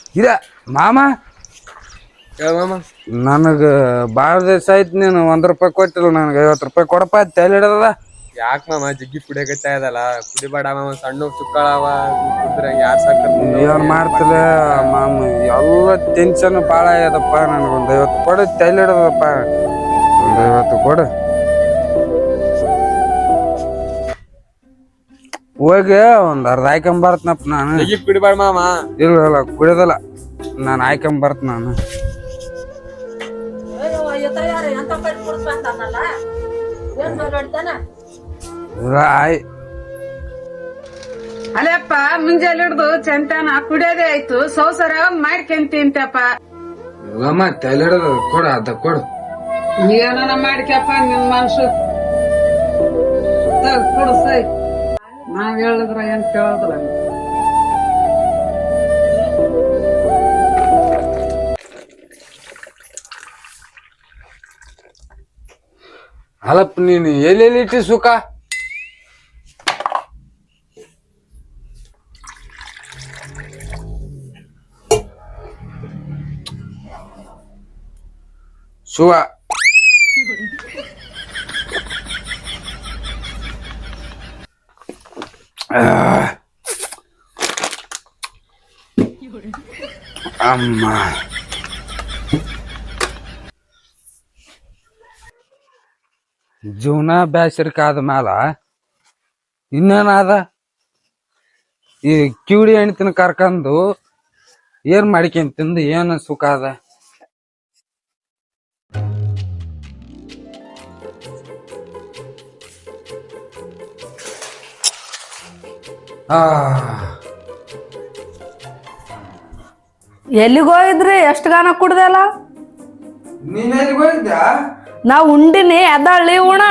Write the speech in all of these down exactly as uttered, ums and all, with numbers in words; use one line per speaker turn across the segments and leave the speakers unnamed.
ಇದ ಮಾಮ
ಮಾಮ
ನನಗ ಬಾಳ ದಿವಸ ಆಯ್ತು ನೀನು ಒಂದ್ ರೂಪಾಯಿ ಕೊಟ್ಟಿಲ್ಲ ನನಗೆ ಐವತ್ತು ರೂಪಾಯಿ ಕೊಡಪ್ಪ ತಲೆ ಹಿಡದ
ಯಾಕ ಮಾಮ ಜಗ್ಗಿ ಕುಡಿಯಕತ್ತಾ ಇದಲ್ಲ ಕುಡಿಬೇಡ ಮಾಮ ಸಣ್ಣ ಚುಕ್ಕಳವ ಕುಡಿದ್ರೆ ಯಾರ್ ಸಾಕ್ತಾರ
ಏನ್ ಮಾಡ್ತಿಲ್ಲ ಮಾಮ ಎಲ್ಲ ಟೆನ್ಷನ್ ಬಾಳ ಆಗ್ಯದಪ್ಪ ನನಗೊಂದ್ ಐವತ್ತು ಕೊಡ ತಲೆ ಹಿಡದಪ್ಪ ಒಂದ್ ಐವತ್ತು ಕೊಡು ಹೋಗಿ ಒಂದ್ ಅರ್ಧ ಹಾಕೊಂಡ್ ಬರ್ತನಪ್ಪ ನಾನು
ಜಗ್ಗಿ ಕುಡಿಬೇಡ ಮಾಮ
ಇಲ್ಲ ಇಲ್ಲ ಕುಡಿಯೋದಲ್ಲ ನಾನು ಹಾಕೊಂಡ್ ಬರ್ತ ನಾನು
ಅಲ್ಲಪ್ಪ ಮುಂಜಾನೆ ಹಿಡ್ದು ಚಂತಾನ ಕುಡಿಯೋದೇ ಆಯ್ತು ಸೌಸರ ಮಾಡ್ಕೊಂತಿಂತಪ್ಪ
ಇಲ್ಲಮ್ಮ ತಲೆ ಹಿಡದ ಕೊಡು ಅದ ಕೊಡು
ಏನ ಮಾಡ್ಕ್ಯಪ್ಪ ನಿನ್ ಮನ್ಸು ಕೊಡು ಸೈ ನಾವ್ ಹೇಳಿದ್ರ ಏನ್ ಕೇಳೋದ್ರ
ಅಲ್ಲಪ್ಪ ನೀನು ಎಲ್ಲೆಲ್ಲಿ ಇಟ್ಟಿ ಸುಖ ಸುವ ಅಮ್ಮ ಜೀವನ ಬ್ಯಾಸರಿಕಾದ ಮ್ಯಾಲ ಇನ್ನೇನಾದ ಈ ಕಿವಿಡಿ ಹೆಣ್ತಿನ ಕರ್ಕಂದು ಏನ್ ಮಾಡ್ಕೊಂಡ್ ತಿಂದು ಏನು ಸುಖ ಅದ ಆ
ಎಲ್ಲಿಗೋಗಿದ್ರಿ ಎಷ್ಟು ಗಾನ ಕುಡ್ದಲ್ಲ
ನೀನ್ ಎಲ್ಲಿಗೆ ಹೋಗಿದ್ಯಾ
ನಾ ಉಂಡಿನಿ ಎದ್ದಾಳಿ ಉಣ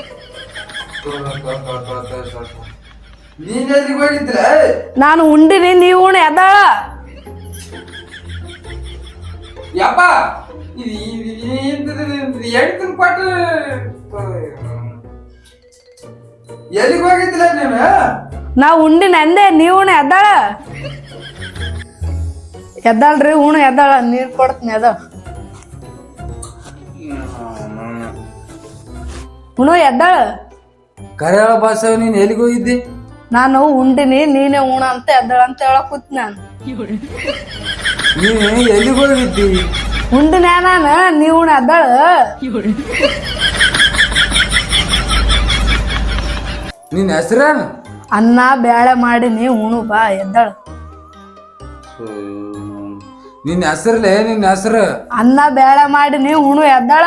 ನೀನ್ ಎಲ್ಲಿಗೆ ಹೋಗಿದ್ರೆ
ನಾನು ಉಂಡಿನಿ ನೀವು ಉಣ ಎದ್ದಾಳ
ಯಪ್ಪ ಹೇಳ್ತೀನಿ ಕೊಟ್ಟು ಎಲ್ಲಿಗೆ ಹೋಗಿದ್ದಿಲ್ಲ ನೀನು
ನಾ ಉಂಡಿನ ಅಂದೆ ನೀವು ಉಣ ಎದ್ದಾಳ ಎದ್ದಾಳ್ರಿ ಉಣ ಎದ್ದಾಳ ನೀರ್ ಕೊಡ್ತೀನಿ ಎದ್ದಾಳ ಉಣು ಎದ್ದಾಳ
ಕರೆಯಾಳ ಭಾಷೆ ನೀನ್ ಎಲ್ಲಿಗೆ ಹೋಗಿದ್ದಿ
ನಾನು ಉಂಡಿನಿ ನೀನೇ ಉಣ ಅಂತ ಎದ್ದಾಳ ಅಂತ ಹೇಳಕ್ ಕೂತ್ ನಾನು
ನೀನ್ ಎಲ್ಲಿಗೆ ಹೋಗಿದ್ದಿ
ಉಂಡಿನ ನಾನು ನೀವು ಉಣ ಎದ್ದಾಳ
ನಿನ್ ಹೆಸರೇನು
ಅನ್ನ ಬ್ಯಾಳೆ ಮಾಡಿನಿ ಉಣು ಬಾ ಎದ್ದಾಳ
ನಿನ್ ಹೆಸರ್ಲೆ ನಿನ್ ಹೆಸರು
ಅನ್ನ ಬ್ಯಾಳೆ ಮಾಡಿನಿ ಉಣು ಎದ್ದಾಳ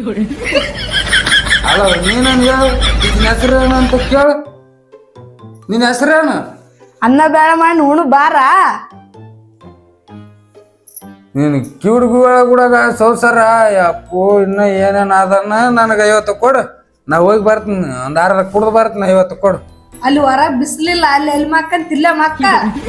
ಅಲ್ಲ ನೀನು ಹೇಳು ನಿನ್ ಹೆಸರೇನು ಅಂತ ಕೇಳು ನಿನ್ ಹೆಸರೇನು
ಅನ್ನ ಬ್ಯಾಳೆ ಮಾಡಿ ಉಣು ಬಾರ
ನೀನು ಕಿವುಡ್ಗುಳ ಕೂಡ ಸೌಸರ ಅಪ್ಪು ಇನ್ನ ಏನೇನ್ ಅದನ್ನ ನನಗೆ ಐವತ್ತು ಕೊಡು ನಾ ಹೋಗಿ ಬರ್ತೀನಿ ಒಂದ್ ಅರ್ಧ ಕುಡ್ದು ಬರ್ತೀನಿ ಐವತ್ತು ಕೊಡು
ಅಲ್ಲಿ ಹೊರ ಬಿಸ್ಲಿಲ್ಲ ಅಲ್ಲಿ ಎಲ್ಲಿ ಮಕ್ಕಂತ ಇಲ್ಲ ಮಕ್ಕ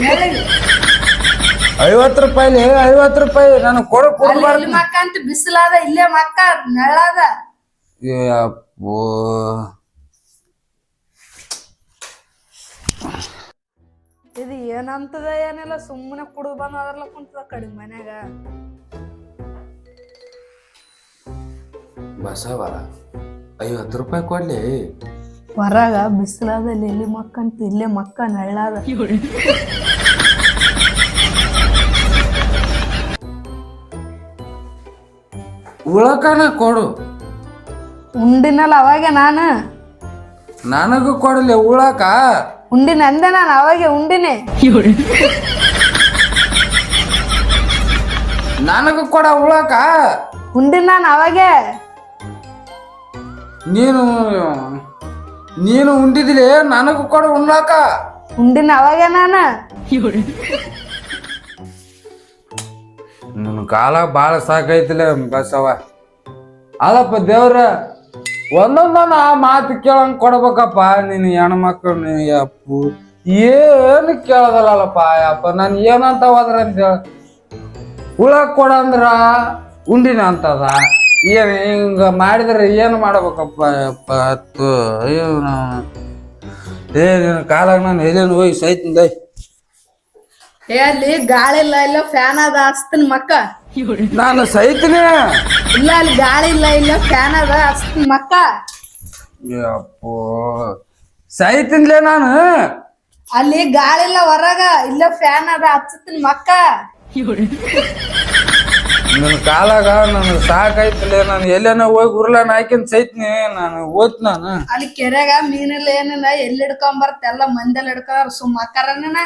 ಐವತ್ತು ರೂಪಾಯಿ ಐವತ್ತು ರೂಪಾಯಿ ನನಗೆ ಕೊಡು ಕುಡ್ದು
ಎಲ್ಲಿ
ಬರ್ತೀನಿ
ಮಕ್ಕಂತ ಬಿಸಿಲಾದ ಇಲ್ಲೇ ಮಕ್ಕ ನೆಳ್ಳಾದ
ಏ ಅಪ್ಪು
ಇದು ಏನಂತದ ಏನಿಲ್ಲ ಸುಮ್ಮನೆ ಕುಡಿದು ಬಂದು ಅದ್ರಲ್ಲ ಕುಂತದ ಕಡಿಮೆ ಮನ್ಯಾಗ
ಬಸವ ಐವತ್ತು ರೂಪಾಯಿ ಕೊಡ್ಲಿ
ಹೊರಗ ಬಿಸಿಲಾದ ಅಲ್ಲಿ ಎಲ್ಲಿ ಮಕ್ಕಂತ ಇಲ್ಲೇ ಮಕ್ಕ ನೆಳ್ಳಾದ
ಉಳಕನ ಕೊಡು
ಉಂಡಿನಲ್ಲ ಅವಾಗೆ ನಾನು
ನನಗೂ ಕೊಡಲಿ ಉಳಕ
ಉಂಡಿನ ಅಂದೆ ನಾನು ಅವಾಗೆ ಉಂಡಿನಿ
ನನಗೂ ಕೊಡ ಉಳಕ
ಉಂಡಿನ ನಾನು ಅವಾಗೆ
ನೀನು ನೀನು ಉಂಡಿದಿಲಿ ನನಗೂ ಕೊಡ ಉಣ್ಣಾಕ
ಉಂಡಿನ ಅವಾಗೆ ನಾನು
ನಿನ್ನ ಕಾಲ ಬಾಳ ಸಾಕೈತಿಲ್ಲ ಬಸವ ಅಲ್ಲಪ್ಪ ದೇವ್ರ ಒಂದೊಂದನ ಆ ಮಾತು ಕೇಳಂಗ್ ಕೊಡ್ಬೇಕಪ್ಪ ನೀನು ಹೆಣ್ಮಕ್ಳು ಅಪ್ಪು ಏನು ಕೇಳದಲ್ಲಪ್ಪ ಅಪ್ಪ ನಾನು ಏನಂತ ಹೋದ್ರ ಅಂತ ಹೇಳ ಉಳಕ್ ಕೊಡ ಅಂದ್ರ ಉಂಡಿನ ಅಂತದ ಏನ್ ಹಿಂಗ ಮಾಡಿದ್ರೆ ಏನು ಮಾಡ್ಬೇಕಪ್ಪ ಅಪ್ಪ ಹತ್ತು ಅಯ್ಯೋ ನಾವು ಏ ನಿನ್ನ ಕಾಲಾಗ ನಾನು ಎಲ್ಲೇನು ಹೋಗಿ ಸೈತಿಂದ
ಏ ಅಲ್ಲಿ ಗಾಳಿ ಇಲ್ಲ ಇಲ್ಲ ಫ್ಯಾನ್ ಅದ ಹಚ್ತೀನಿ ಮಕ್ಕ.
ನಾನು ಸೈತಿನಿ.
ಇಲ್ಲ ಅಲ್ಲಿ ಗಾಳಿ ಇಲ್ಲ ಇಲ್ಲ ಫ್ಯಾನ್ ಅದ ಹಚ್ತೀನಿ ಮಕ್ಕ.
ಯಪ್ಪೋ ಸೈತಿನ್ಲೇ ನಾನು.
ಅಲ್ಲಿ ಗಾಳಿ ಇಲ್ಲ ಹೊರಗ ಇಲ್ಲ ಫ್ಯಾನ್ ಅದ ಹಚ್ಚತೀನಿ ಮಕ್ಕ.
ನನ್ನ ಕಾಲಾಗ ನನಗೆ ಸಾಕಾಯ್ತಲೇ. ನಾನು ಎಲ್ಲೇನ ಹೋಗಿ ಉರ್ಲಾನ ಹಾಕಿನ್ ಸೈತ್ನಿ. ನಾನು ಓದ್ ನಾನು
ಅಲ್ಲಿ ಕೆರೆಗ ಮೀನಿಲ್ಲ ಏನಿಲ್ಲ ಎಲ್ಲಿ ಹಿಡ್ಕೊಂಡ್ ಬರ್ತ ಎಲ್ಲ ಮಂದೆಲ್ಲ ಹಿಡ್ಕೊಂಡ್ ಸುಮ್ಮ ಅಕ್ಕರನ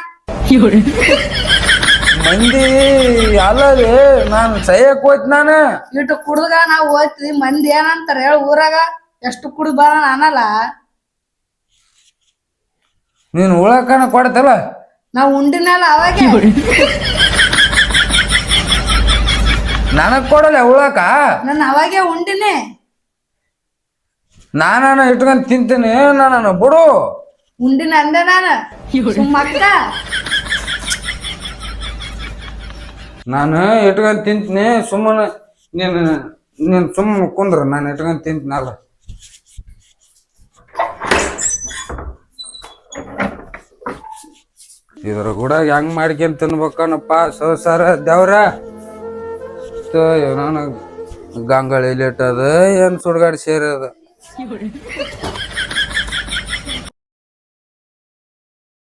ಮಂದಿ ಅಲ್ಲ ರೀ. ನಾನು ಸೈಯಕ್ ಹೋಯ್ತು ನಾನು.
ಇಟ್ಟು ಕುಡ್ದಾಗ ನಾವ್ ಹೋಯ್ತಿವಿ ಮಂದಿ ಏನಂತಾರ ಹೇಳ ಊರಾಗ ಎಷ್ಟು ಕುಡ್ದು ಬರೋಣ ಅನ್ನಲ್ಲ.
ನೀನು ಉಳಕನ ಕೊಡ್ತಲ್ಲ.
ನಾವ್ ಉಂಡಿನಲ್ಲ ಅವಾಗೆ
ನನಗ್ ಕೊಡಲ್ಲ ಉಳಕ.
ನಾನು ಅವಾಗೆ ಉಂಡಿನಿ.
ನಾನು ಇಟ್ಕೊಂಡ್ ತಿಂತೀನಿ. ನಾನು ಬಿಡು.
ಉಂಡಿನ ಅಂದೆ ನಾನು ಸುಮ್ಮ ಅಕ್ಕ.
ನಾನು ಇಟ್ಕೊಂಡ್ ತಿಂತೀನಿ. ಸುಮ್ಮನೆ ನೀನು ನೀನು ಸುಮ್ಮನೆ ಕುಂದ್ರು. ನಾನು ಇಟ್ಕೊಂಡ್ ತಿಂತೀನಲ್ಲ. ಇದ್ರ ಕೂಡ ಹೆಂಗ್ ಮಾಡ್ಕೊಂಡ್ ತಿನ್ಬೇಕನಪ್ಪ ಸಂಸಾರ ದೇವ್ರ. ನನಗೆ ಗಂಗಾಳಿ ಲೇಟ್ ಅದ ಏನ್ ಸುಡ್ಗಾಡ್ ಸೇರಿ ಅದ.